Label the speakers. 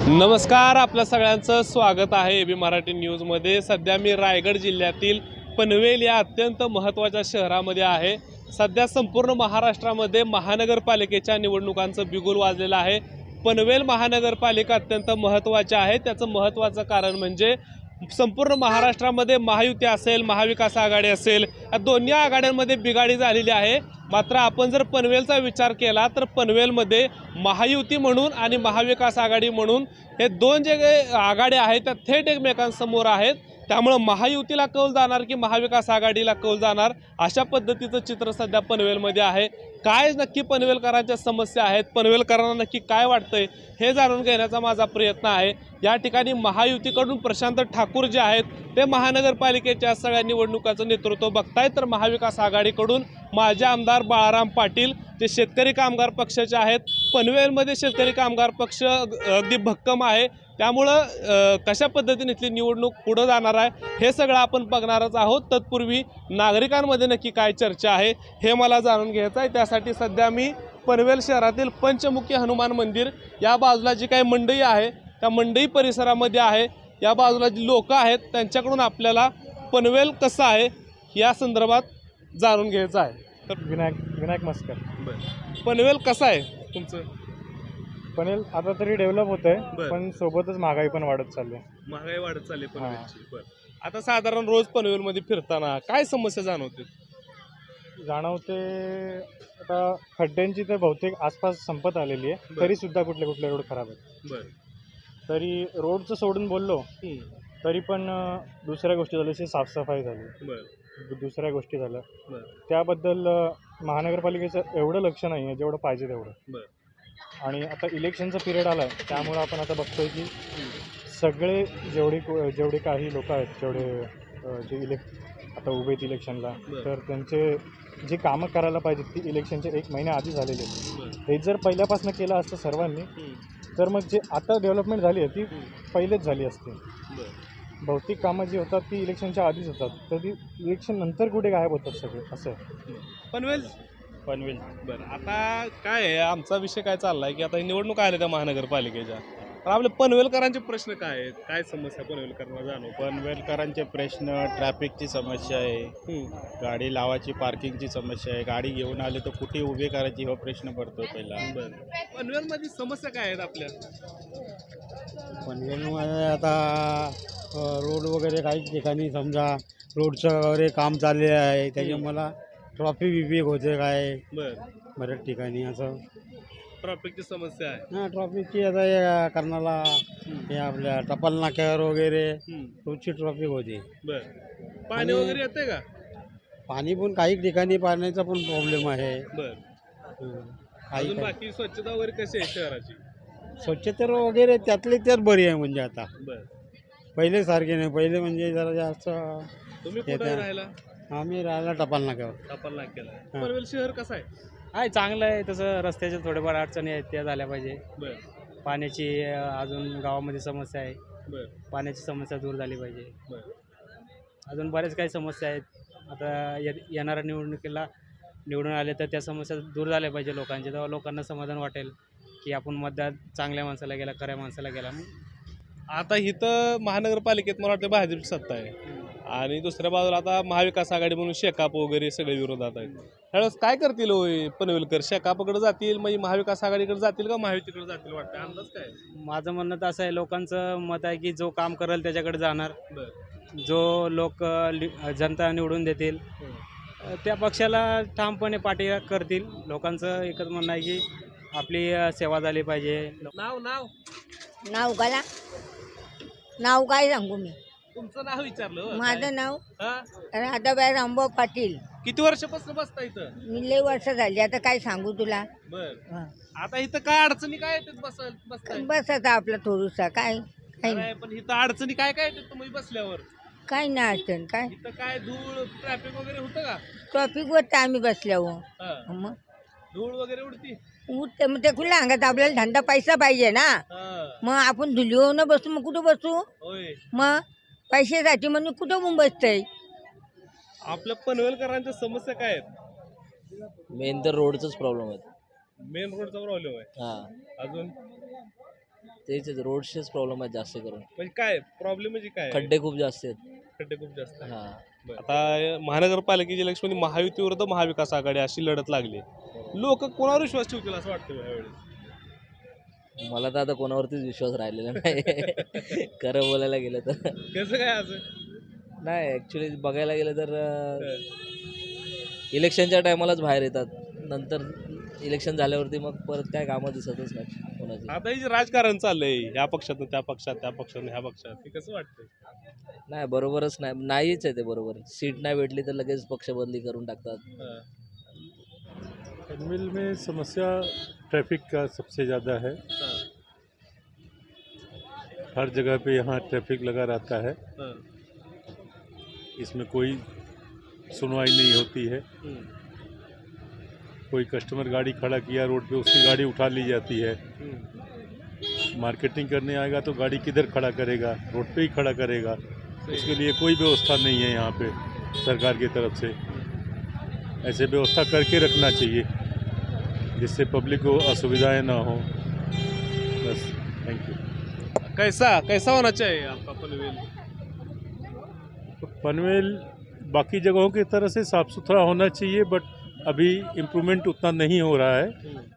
Speaker 1: नमस्कार, आपल्या सगळ्यांचं स्वागत आहे एबी मराठी न्यूजमध्ये। सध्या मी रायगड जिल्ह्यातील पनवेल या अत्यंत महत्त्वाच्या शहरामध्ये आहे। सध्या संपूर्ण महाराष्ट्रामध्ये महानगरपालिकेच्या निवडणुकांचं बिगुल वाजलेलं आहे। पनवेल महानगरपालिका अत्यंत महत्त्वाची आहे। त्याचं महत्त्वाचं कारण म्हणजे संपूर्ण महाराष्ट्रामध्ये महायुती असेल, महाविकास आघाडी असेल, या दोन्ही आघाड्यांमध्ये बिघाडी झालेली आहे। मात्र आपण जर पनवेलचा विचार केला तर पनवेलमध्ये महायुती म्हणून आणि महाविकास आघाडी म्हणून हे दोन जे आघाड्या आहेत त्या थेट एकमेकांसमोर आहेत। त्यामुळे महायुतीला कौल जाणार की महाविकास आघाडीला कौल जाणार, अशा पद्धतीचं चित्र सध्या पनवेलमध्ये आहे। काय नक्की पनवेलकरांच्या समस्या आहेत, पनवेलकरांना नक्की काय वाटतंय हे जाणून घेण्याचा माझा प्रयत्न आहे। या ठिकाणी महायुतीकडून प्रशांत ठाकूर जे आहेत ते महानगरपालिकेच्या सगळ्या निवडणुकाचं नेतृत्व बघतायत, तर महाविकास आघाडीकडून माजी आमदार बाळाराम पाटील जे शेतकरी कामगार पक्षाचे आहेत। पनवेलमध्ये शेतकरी कामगार पक्ष अगदी भक्कम आहे, त्यामुळं कशा पद्धतीने इथली निवडणूक पुढे जाणार आहे हे सगळं आपण बघणारच आहोत। तत्पूर्वी नागरिकांमध्ये नक्की काय चर्चा आहे हे मला जाणून घ्यायचं आहे। त्यासाठी सध्या मी पनवेल शहरातील पंचमुखी हनुमान मंदिर या बाजूला जी काही मंडई आहे त्या मंडई परिसरामध्ये आहे। या बाजूला जी लोक आहेत त्यांच्याकडून आपल्याला पनवेल कसं आहे या संदर्भात जाणून घ्यायचं आहे।
Speaker 2: तर विनायक मस्कर,
Speaker 1: पनवेल कसं आहे तुमचं?
Speaker 2: पनवेल आता तरी डेव्हलप होत आहे, पण सोबतच महागाई पण वाढत चालली आहे।
Speaker 1: महागाई वाढत चालली पनवेलची। बरं, आता साधारण रोज पनवेलमध्ये फिरताना काय समस्या जाणवते?
Speaker 2: आता खड्ड्यांची तर बहुतेक आसपास संपत आलेली आहे, तरी सुद्धा कुठले कुठले रोड खराब आहेत।
Speaker 1: बरं,
Speaker 2: तरी रोडचं सोडून बोललो तरी पण दुसऱ्या गोष्टी झाल्या, जशी साफसफाई झाली, दुसऱ्या गोष्टी झाल्या, त्याबद्दल महानगरपालिकेचं एवढं लक्ष नाही आहे जेवढं पाहिजे तेवढं। आणि आता इलेक्शनचा पिरियड आला आहे, त्यामुळं आपण आता बघतोय की सगळे जेवढे काही लोक आहेत, जे आता उभे आहेत इलेक्शनला, तर त्यांचे जे कामं करायला पाहिजे ती इलेक्शनचे 1 महिन्या आधी झालेले आहेत। हे जर पहिल्यापासून केलं असतं सर्वांनी, तर मग जे आता डेव्हलपमेंट झाली आहे ती पहिलेच झाली असते। बहुतेक कामं जी होतात ती इलेक्शनच्या आधीच होतात, तर ती इलेक्शन नंतर कुठे गायब होतात सगळे, असं आहे
Speaker 1: पनवेल। बरं, आता काय आहे, आमचा विषय काय चालला आहे की आता निवडणूक आल्या त्या महानगरपालिकेच्या, तर आपल्या पनवेलकरांचे प्रश्न काय आहेत, काय समस्या पनवेलकरांना जाणवत?
Speaker 3: पनवेलकरांचे प्रश्न ट्रॅफिकची समस्या आहे, गाडी लावायची पार्किंगची समस्या आहे, गाडी घेऊन आले तर कुठे उभे करायची हा प्रश्न पडतो पहिला।
Speaker 1: पनवेलमध्ये समस्या काय आहेत आपल्या?
Speaker 4: पनवेलमध्ये आता रोड वगैरे काही ठिकाणी समजा रोडचं वगैरे काम चालले आहे, त्याच्यामुळे मला ट्रॉफिक होते काय बऱ्याच ठिकाणी असं
Speaker 1: ट्रॅफिकची समस्या आहे।
Speaker 4: हां, ट्रॉफिकची आता या कारणाला हे आपल्या टपाल नाक्यावर वगैरे रोजची ट्रॉफिक होते।
Speaker 1: पाणी वगैरे येते का?
Speaker 4: पाणी पण काही ठिकाणी पाण्याचा पण प्रॉब्लेम आहे।
Speaker 1: अजून बाकी स्वच्छता वगैरे कशी आहे शहराची?
Speaker 4: स्वच्छता वगैरे त्यातली त्यात बरी आहे, म्हणजे आता पहिले सारखे नाही, पहिले म्हणजे जरा जास्त।
Speaker 1: तुम्ही कुठे राहायला?
Speaker 4: आम्ही राहायला टपाल नाक्यावर।
Speaker 1: टपाल नाक्याला। पनवेल शहर कसं आहे?
Speaker 5: चांगलं आहे तसं, रस्त्याच्या थोड्याफार अडचणी आहेत त्या झाल्या पाहिजे। पाण्याची अजून गावामध्ये समस्या आहे, पाण्याची समस्या दूर झाली पाहिजे। अजून बरेच काही समस्या आहेत। आता येणाऱ्या निवडणुकीला निवडून आले तर त्या समस्या दूर झाल्या पाहिजे लोकांच्या, तेव्हा लोकांना समाधान वाटेल की आपण मतदान चांगल्या माणसाला गेला, खऱ्या माणसाला गेला।
Speaker 1: आता इथं महानगरपालिकेत मला वाटतं भाजपची सत्ता आहे आणि दुसऱ्या बाजूला आता महाविकास आघाडी म्हणून शेकाप वगैरे सगळे विरोधात आहेत। त्यावेळेस काय करतील पनवेलकर? शेकापकडे जातील, म्हणजे महाविकास आघाडीकडे जातील का महायुतीकडे जातील, वाटतं अंदाज काय?
Speaker 5: माझं म्हणणं तर असं आहे, लोकांचं मत आहे की जो काम करेल त्याच्याकडे जाणार, जो लोक जनता निवडून देतील त्या पक्षाला ठामपणे पाठी करतील। लोकांचं एकच म्हणणं आहे की आपली सेवा झाली पाहिजे।
Speaker 6: नाव गाला नाव काय सांगू मी?
Speaker 1: तुमचं नाव विचारलं?
Speaker 6: माझं नाव राधाबाई रामभाऊ पाटील।
Speaker 1: किती वर्षापासून बसता इथं?
Speaker 6: मी लय वर्ष झाली, आता काय सांगू तुला?
Speaker 1: आता इथं काय अडचणी काय येतात?
Speaker 6: बस आता आपला थोडूसा काय
Speaker 1: पण इथं अडचणी काय काय येतात तुम्ही बसल्यावर?
Speaker 6: काय नाही अडचण, काय
Speaker 1: इथं काय धूळ ट्रॅफिक वगैरे होतं का?
Speaker 6: ट्रॉफिक वर आम्ही बसल्यावर
Speaker 1: मग धूळ वगैरे उडती
Speaker 6: उठते, मग ते खुल्या अंगात आपल्याला धंदा पैसा पाहिजे ना। मग आपण धुलीवर न बसू, मग कुठं बसू? मग पैशासाठी म्हणून कुठं मग बसतंय?
Speaker 1: आपल्या पनवेलकरांच्या समस्या काय आहेत?
Speaker 7: मेन तर रोडचाच प्रॉब्लेम आहे।
Speaker 1: मेन रोडचा प्रॉब्लेम आहे। अजून
Speaker 7: तेच रोडचेच प्रॉब्लेम आहेत जास्त करून.
Speaker 1: म्हणजे काय प्रॉब्लेम म्हणजे काय
Speaker 7: खड्डे खूप जास्त आहेत.
Speaker 1: खड्डे खूप जास्त आहे.
Speaker 7: हां.
Speaker 1: आता महानगरपालिकेची इलेक्शन महायुती विरुद्ध महाविकास आघाडी अशी लढत लागली. लोक कोणावर विश्वास ठेवतील असं वाटतं यावेळेस?
Speaker 7: मला तर आता कोणावरतीच विश्वास राहिलेला नाही. खरं बोलायला गेलं तर.
Speaker 1: कसं काय असं?
Speaker 7: नाही ॲक्च्युली बघायला गेलं तर इलेक्शनच्या टायमालाच बाहेर येतात. नंतर इलेक्शन झाल्यावरती मग परत काय कामं दिसतच नाही कोणाची.
Speaker 1: आता हे जे राजकारण चाललंय ह्या पक्षातून त्या पक्षात, त्या पक्षातून ह्या पक्षात, हे कसं वाटतंय?
Speaker 7: नाही बरोबरच नाहीच आहे ते बरोबर. सीट नाही भेटली तर लगेच पक्ष बदली करून टाकतात.
Speaker 2: पनवेल में समस्या ट्रैफिक का सबसे ज़्यादा है। हर जगह पे यहाँ ट्रैफिक लगा रहता है, इसमें कोई सुनवाई नहीं होती है। कोई कस्टमर गाड़ी खड़ा किया रोड पे, उसकी गाड़ी उठा ली जाती है। मार्केटिंग करने आएगा तो गाड़ी किधर खड़ा करेगा, रोड पे ही खड़ा करेगा। उसके लिए कोई व्यवस्था नहीं है यहाँ पे सरकार की तरफ से। ऐसे व्यवस्था करके रखना चाहिए जिससे पब्लिक को असुविधाएं ना हो। बस, थैंक यू।
Speaker 1: कैसा होना चाहिए आपका पनवेल?
Speaker 2: पनवेल बाकी जगहों की तरह से साफ़ सुथरा होना चाहिए, बट अभी इम्प्रूवमेंट उतना नहीं हो रहा है।